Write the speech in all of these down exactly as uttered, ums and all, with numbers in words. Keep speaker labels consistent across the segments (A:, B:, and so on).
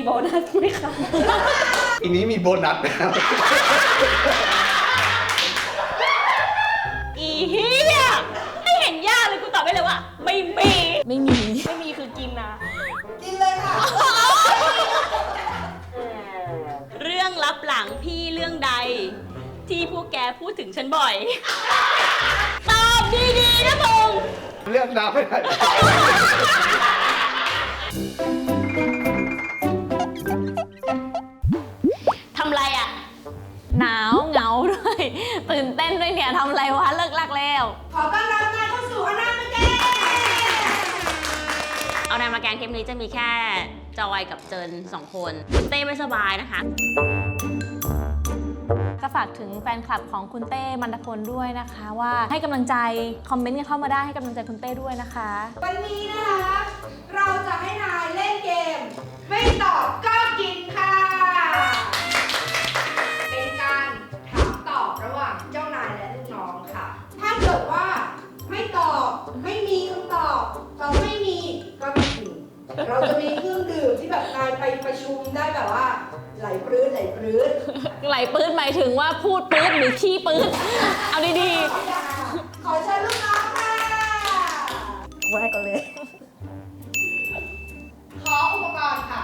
A: โบนัสไหมคะ
B: ปีนี้มีโบนัสนะครับ
A: อีเหี้ยไม่เห็นยากเลยกูตอบได้เลยว่าไม่มี
C: ไม่มี
A: ไม่มีคือกินนะ
D: กินเลยค่ะ
A: เรื่องลับหลังพี่เรื่องใดที่พวกแกพูดถึงฉันบ่อยตอบดีๆนะพงษ์
B: เลือกดาวไม่ได้
A: ทำไรอ่ะ
C: หนาวเหงาด้วยตื่นเต้นด้วยเนี่ยทำอะไรวะเลิกลักแล้ว
D: ขอต้อนรับนายเข้าสู่อนามาแกง
A: เอานายมาแกงเทปนี้จะมีแค่จอยกับเจินสองคนคุณเต้ไม่สบายนะคะ
C: ก็ฝากถึงแฟนคลับของคุณเต้มันดพลด้วยนะคะว่าให้กำลังใจคอมเมนต์กันเข้ามาได้ให้กำลังใจคุณเต้ด้วยนะคะ
D: วันนี้นะคะเราจะให้นายเล่นเกมไม่ตอบก็กินค่ะเป็นการถามตอบระหว่างเจ้านายและลูกน้องค่ะถ้าเกิดว่าไม่ตอบไม่มีคำตอบตอบไม่มีก็ไม่กินเราจะมีเครื่องดื่มที่แบบนายไปประชุมได้แบบว่าไหลปลื้ดไหลปลื้ด
C: ไหลปื้ดหมายถึงว่าพูดปื้ดหรือขี้ปื้ดเอาดี
D: ๆขอเชิญลูกน้องค่ะ
C: ว่าให้ก่อนเลย
D: ขออุปกรณ์ค่ะ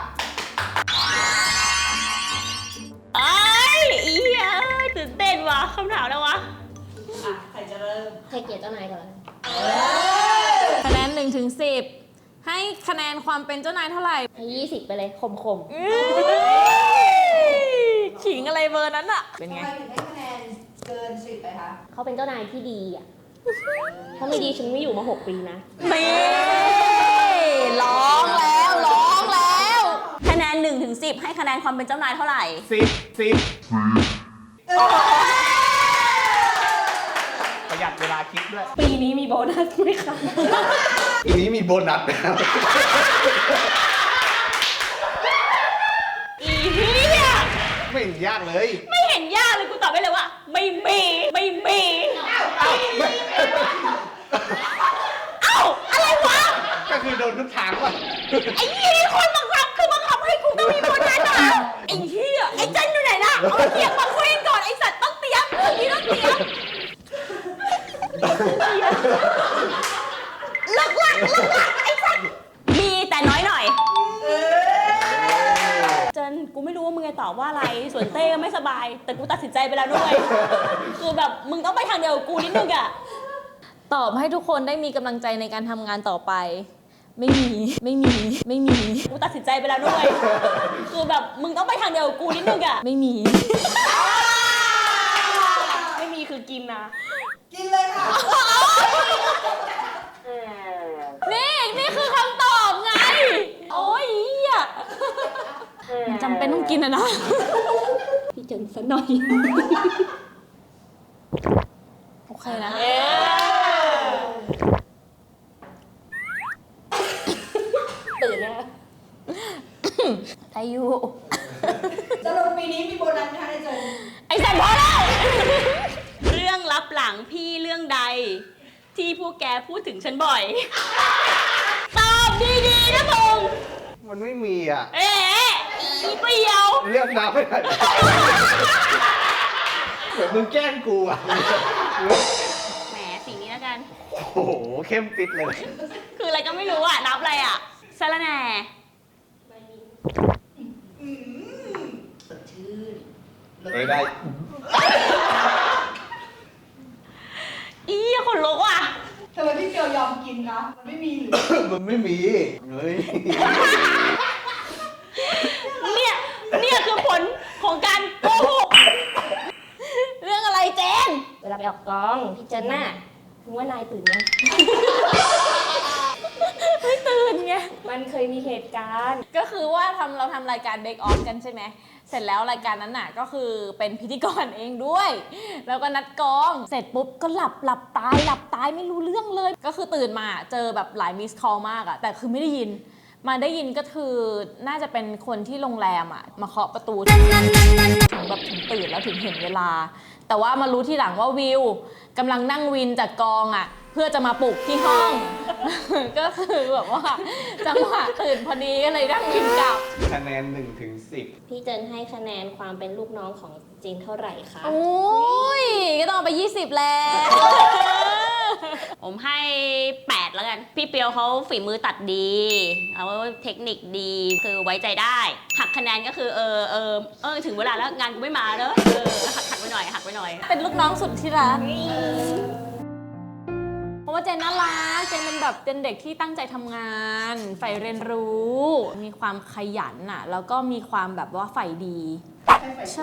A: ไอ้อีเหี้ยตื่นเต้นว่ะคำถามแล้ววะ
D: อ่ะใครจะเริ่ม
A: ใครเกลียดเจ้านายก่อน
C: คะแนนหนึ่งถึงสิบให้คะแนนความเป็นเจ้านายเท่าไหร่
A: ให้ยี่สิบไปเลยคมคม
C: ขิงอะไรเบอร์นั้นอะเป็นไง
D: ทำไมถึงให้คะแนนเกินสิบไปคะ
A: เขาเป็นเจ้านายที่ดีอ่ะถ้าไม่ดีฉันไม่อยู่มาหกปีนะ
C: นี่ร้องแล้วร้องแล้ว
A: คะแนนหนึ่งถึงสิบให้คะแนนความเป็นเจ้านายเท่าไหร่
B: สิบสิบประหยัดเวลาคิดด้วย
A: ปีนี้มีโบนัสไหมคะ
B: ปีนี้มีโบนัสนะครับ
A: อีเหี้ย
B: ไม่เห็นยากเลย
A: ไม่เห็นยากเลยกูตอบได้เลยว่าไม่มีไม่มี
B: เอ้า
A: เอ้าอะไรวะ
B: ก็คือโดนทุกทางว่ะ
A: ไอ้เหี้ยคนบังคับคือบังคับให้กูต้องมีโบนัสอ่ะไอ้เหี้ยไอ้เจนอยู่ไหนล่ะเอาเสียงมาคุยก่อนไอ้สัตว์ต้องเตรียมนี่ต้องเตรียมเลิกลักเลิกลักไอ้สัตว์มีแต่น้อยหน่อยเจนกูไม่รู้ว่ามึงจะตอบว่าอะไรส่วนเต้ก็ไม่สบายแต่กูตัดสินใจไปแล้วด้วยคือแบบมึงต้องไปทางเดียวกับกูนิดนึงอะ
C: ตอบให้ทุกคนได้มีกำลังใจในการทำงานต่อไปไม่มีไม่มีไม่มี
A: กูตัดสินใจไปแล้วด้วยคือแบบมึงต้องไปทางเดียวกับกูนิดนึงอะ
C: ไม่มี
A: ไม่มีคือกินนะ
D: กินเลยค่ะ
C: นี่นี่คือคำตอบไงโอ้ยอ่ะจำเป็นต้องกินอะนะ
A: พี่เจนซะหน่อย
C: โอเคนะ
A: ตื่นนะ
C: อายุ
D: จะลงปีนี้มีโบนัสไหมคะในเจน
C: ไอ้สัตว์พอแล้ว
A: เรื่องลับหลังพี่เรื่องใดที่พวกแกพูดถึงฉันบ่อยตอบดีๆนะพงษ์
B: มันไม่มีอ่ะ
A: เอ๊ะอีเปรี้ยว
B: เลือกดาวไม่ได้เหมือนมึงแกล้งกูอ่ะ
A: แหมสิ่งนี้แล้วกัน
B: โอ้โหเข้มปิดเลย
A: คืออะไรก็ไม่รู้อ่ะนับอะไรอ่ะสะระแหน่
D: สดชื่น
B: ไม่ได้
A: อีคนลุกว่ะ
D: ทำไมพี่เกียวยอมกินคะมันไม่มีหรือ
B: มันไม่มีเฮ้ย
A: เนี่ยเนี่ยคือผลของการโกหก
C: เรื่องอะไรเจน
A: เวลาไปออกกองพี่เจนน่ะมึงว่านายตื่นยัง
C: ไม่ตื่นไง
A: มันเคยมีเหตุการณ์
C: ก็คือว่าทำเราทำรายการเบคออฟกันใช่ไหมเสร็จแล้วรายการนั้นน่ะก็คือเป็นพิธีกรเองด้วยแล้วก็นัดกองเสร็จปุ๊บก็หลับหลับตายหลับตายไม่รู้เรื่องเลยก็คือตื่นมาเจอแบบหลายมิสคอลมากอะแต่คือไม่ได้ยินมาได้ยินก็คือน่าจะเป็นคนที่โรงแรมอ่ะมาเคาะประตูถึงแบบถึงตื่นแล้วถึงเห็นเวลา แต่ว่ามารู้ทีหลังว่าวิวกำลังนั่งวินจากกองอ่ะเพื่อจะมาปลุกที่ห้อง ก็คือแบบว่าจังหวะตื่นพอดีก็เลยนั่งวินกลับ
B: คะแนนหนึ่งถึงสิบ
A: พี่เจนให้คะแนนความเป็นลูกน้องของจีนเท่าไหร่คะ
C: โอ้ยก็ต้องเอาไปยี่สิบแล้ว
A: ผมให้แปดแล้วกัน พี่เปียวเขาฝีมือตัดดีเอาเทคนิคดีคือไว้ใจได้ หักคะแนนก็คือเออเออเออถึงเวลาแล้วงานกูไม่มาเนอะเออหักหักไปหน่อยหักไปหน่อย
C: เป็นลูกน้องสุดที่รักเพราะว่าเจนน่ารักเจนเป็นแบบเป็นเด็กที่ตั้งใจทำงานใฝ่เรียนรู้ มีความขยันน่ะแล้วก็มีความแบบว่าใฝ่ดี ใช่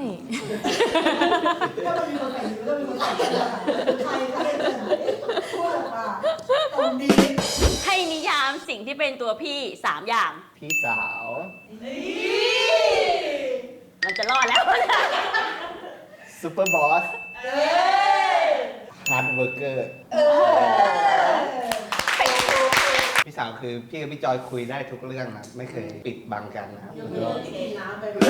D: ถ้ามันมีคนใส่ดีก็มีคนใส่ดีใครใครพูดออกมาตรงดี
A: ให้นิยามสิ่งที่เป็นตัวพี่สามอย่าง
B: พี่สาว
A: มันจะรอดแล้ว
B: ซูเปอร์บอสฮาร์ดเวิร์กเกอร์พี่สาวคือพี่กับพี่จอยคุยได้ทุกเรื่องนะไม่เคยปิดบังกันนะครับ
D: น้ำไป
A: มึง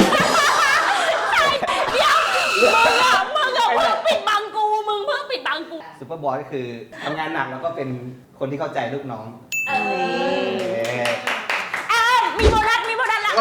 A: อะมึงอะเพิ่งปิดบังกู มึงเพิ่งปิดบังกู
B: ซูเปอร์บอสก็คือทำงานหนักแล้วก็เป็นคนที่เข้าใจลูกน้อง
A: เออ
B: เอ๊ะ
A: อ้าวมีโบนัสมีโบนัสละ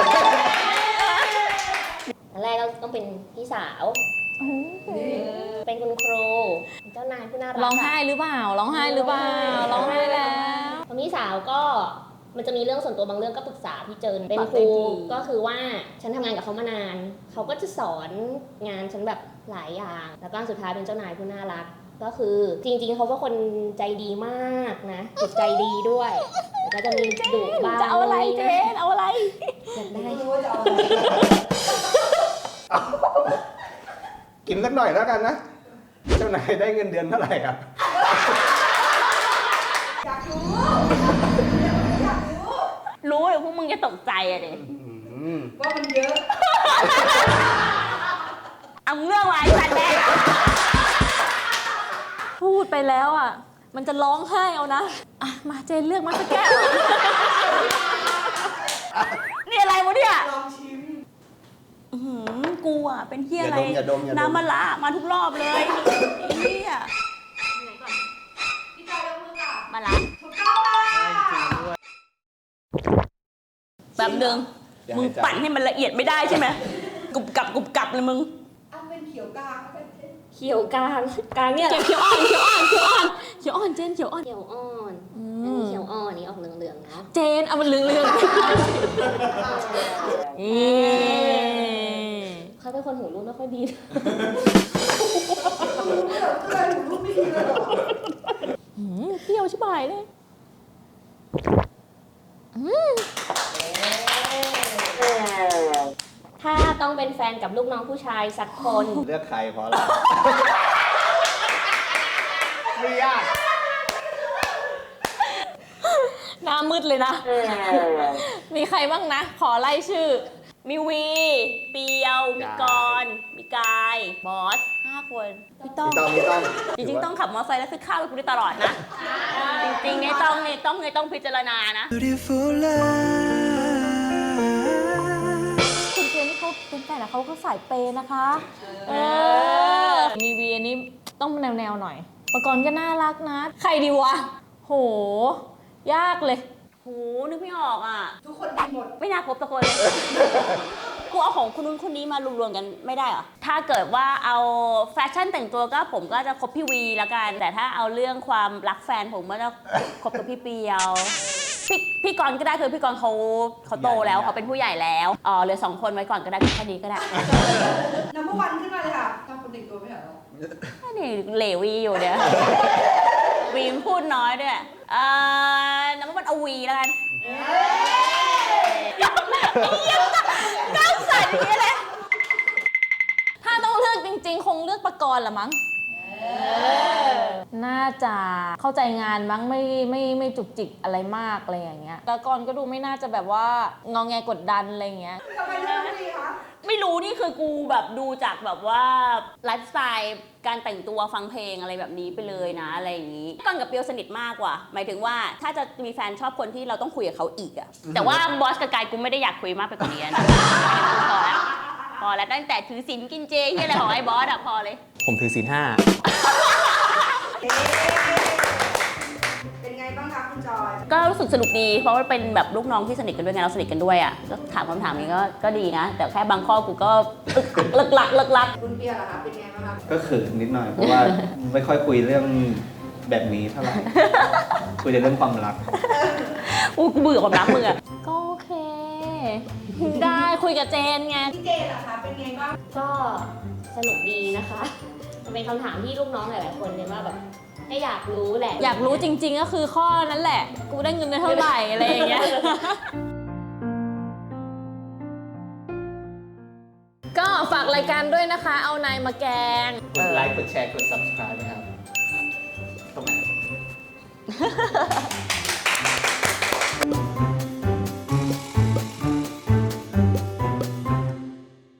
E: อันแรกก็ต้องเป็นพี่สาว เป็นคุณครู เป็นเจ้านายผู้น่ารัก
C: ร้องไห้หรือเปล่าร้องไห้หรือเปล่าร้องไห้แล้ว
E: พอพี่สาวก็มันจะมีเรื่องส่วนตัวบางเรื่องก็ปรึกษาพี่เจิน เป็นครูก็คือว่าฉันทำงานกับเขามานาน เขาก็จะสอนงานฉันแบบหลายอย่าง แล้วก็สุดท้ายเป็นเจ้านายผู้น่ารัก ก็คือจริงๆเขาก็คนใจดีมากนะจิตใจดีด้วยแล้วก็จะมีดุบ้าง
C: จะเอาอะไรเจนเอาอะไร
E: อยากได้
D: ไม่รู้ว่าจะเอาอะไร
B: กินสักหน่อยแล้วกันนะ เจ้านายได้เงินเดือนเท่าไหร่ครับ
D: อยากรู้อยากรู้
A: รู้เลยพวกมึงจะตกใจอะเด็
B: อืม
D: ว่ามันเยอะ
A: เอามึงเรื่องอะไรสัตว์แม่
C: พูดไปแล้วอ่ะมันจะร้องไห้เอานะอ่ะมาเจนเลือกมาสักแก้ว
A: นี่อะไรวะเนี่ย
D: ลองชิม
A: อื้อหือกูอะเป็นเฮียอะไร
B: อย่าดมอย่าดม
A: น้ำมะระมาทุกรอบเลยไอ้เฮีย
D: พี่จอยยกมือค่ะ
A: มะระ
D: ถูกต้องค่ะ
A: แบบนึง
B: อย่า
A: มึง
B: ให้จำ
A: ปั่นให้มันละเอียดไม่ได้ใช่ไหมกรุบกรับกรุบกรับเลยมึง
D: อันเป็นเขียวกลางไม่เป็นเส้น
E: เขียวกลางกลางเนี่ย
C: เขียวอ่อนเขียวอ่อนเขียวอ่อนเขียวอ่อนเจนเขียวอ่อน
E: เขียวอ่อน
C: อื
E: อัน
C: ม
E: นี้เขียวอ่อนอันนี้ออกเหลืองๆเนาะ
C: เจนเอามันเหลืองเหลืองเอ๊ะ
E: เขาเป็นคนหูรูดไม่ค่อยดี
D: ก็เลยหูรูปไม่ดีเลยเหรอ
C: หืมเปรี้ยวชิบหายเลยอืม
E: ถ้าต้องเป็นแฟนกับลูกน้องผู้ชายสักคน
B: เลือกใครเพราะอะไร ไม่ยาก
C: หน้ามืดเลยนะ มีใครบ้างนะ ขอไล่ชื่อ
A: มีวี เปียว มีกรณ์มีกาย บอสห้าคนพี่ต้อง
B: ไม่ต้องไม่ต้อง
A: จริงๆต้องขับมอเตอร์ไซค์แล้วซื้อข้าวให้กูได้ตลอดนะ จริงๆเนี่ยต้องเนี่ยต้องเนี่ยต้องพิจารณานะ
C: คุณเจนนี่เขาเป็นแฟนแต่เขาก็สายเปย์นะคะ เออ มีวีอันนี้ต้องแนวแนวๆหน่อยประกรณ์ก็น่ารักนะ ใครดีวะ โห ยากเลย
A: โห นึกไม่ออกอ่ะ
D: ทุกคนดีหมด
A: ไม่น่าคบสักคนเลย กูเอาของคนนู้นคนนี้มารวมๆกันไม่ได้เหรอ ถ้าเกิดว่าเอาแฟชั่นแต่งตัวก็ผมก็จะคบพี่วีแล้วกัน แต่ถ้าเอาเรื่องความรักแฟนผมก็จะคบกับพี่เปียว พี่พี่กรณ์ก็ได้คือพี่กรณ์เขาเขาโตแล้วเขาเป็นผู้ใหญ่แล้วอ๋อเหลือสองคนไว้ก่อนก็ได้แค่นี้ก็ได้
D: นัมเบอร์วันขึ้นมาเลยค่ะทำคนแต่งตัวไม่เหรอ
A: นี่เหลวีอยู่เนี่ย วีมพูดน้อยด้วยเอ่อน้ำมันเอาวีแล้วกันก้าวใส่นี่เลย
C: ถ้าต้องเลือกจริงๆ คงเลือกประกรณ์ละมั้ง น่าจะเข้าใจงานมั้งไม่ไม่ไม่จุกจิกอะไรมากอะไรอย่างเงี้ยแต่ก่อนก็ดูไม่น่าจะแบบว่างองแงกดดันอะไรอย่างเงี้ย
D: ทำไมเลือกน้องวีคะ
A: ไม่รู้นี่คือกูแบบดูจากแบบว่าไลฟ์สไตล์การแต่งตัวฟังเพลงอะไรแบบนี้ไปเลยนะอะไรอย่างนี้ก่อนกับเปียวสนิทมากกว่าหมายถึงว่าถ้าจะมีแฟนชอบคนที่เราต้องคุยกับเขาอีกอะแต่ว่าบอสกับกายกูไม่ได้อยากคุยมากไปกว่านี้นะพอแล้วพอแล้วตั้งแต่ถือศีลกินเจที่อะไรของไอ้บอสอะพอเลย
F: ผมถือศีลห้า
D: เป็นไงบ้างคะคุณจอย
A: ก็รู้สึกสนุกดีเพราะว่าเป็นแบบลูกน้องที่สนิทกันด้วยไงเราสนิทกันด้วยอ่ะก็ถามคำถามนี้ก็ก็ดีนะ แต่แค่บางข้อกูก็เลิกลักเลิกลัก
D: คุณเปียล่ะคะเป็นไงบ้างคะ
B: ก็เขินนิดหน่อย เพราะว่าไม่ค่อยคุยเรื่องแบบนี้เท่าไหร่ คุยแต่เรื่องความรัก
A: กูกูเบื่อความรักมึงอ่ะ
C: ก็โอเค ได้คุยกับเจนไง
D: พี่เจล่ะคะเป็นไงบ้าง
E: ก็สนุกดีนะคะมันเป็นคำถามที่ลูกน้องหลายๆคนเลยว่าแบบให้อยากรู้แหละ
C: อยากรู้จริงๆก็คือข้อนั้นแหละ กูได้เงินเดือนเท่าไหร่อะไรอย่างเงี้ย ก็ฝากรายการด้วยนะคะ เอานายมาแกง
B: กดไลค์ กดแชร์ กด subscribe นะครับ ตรงไหน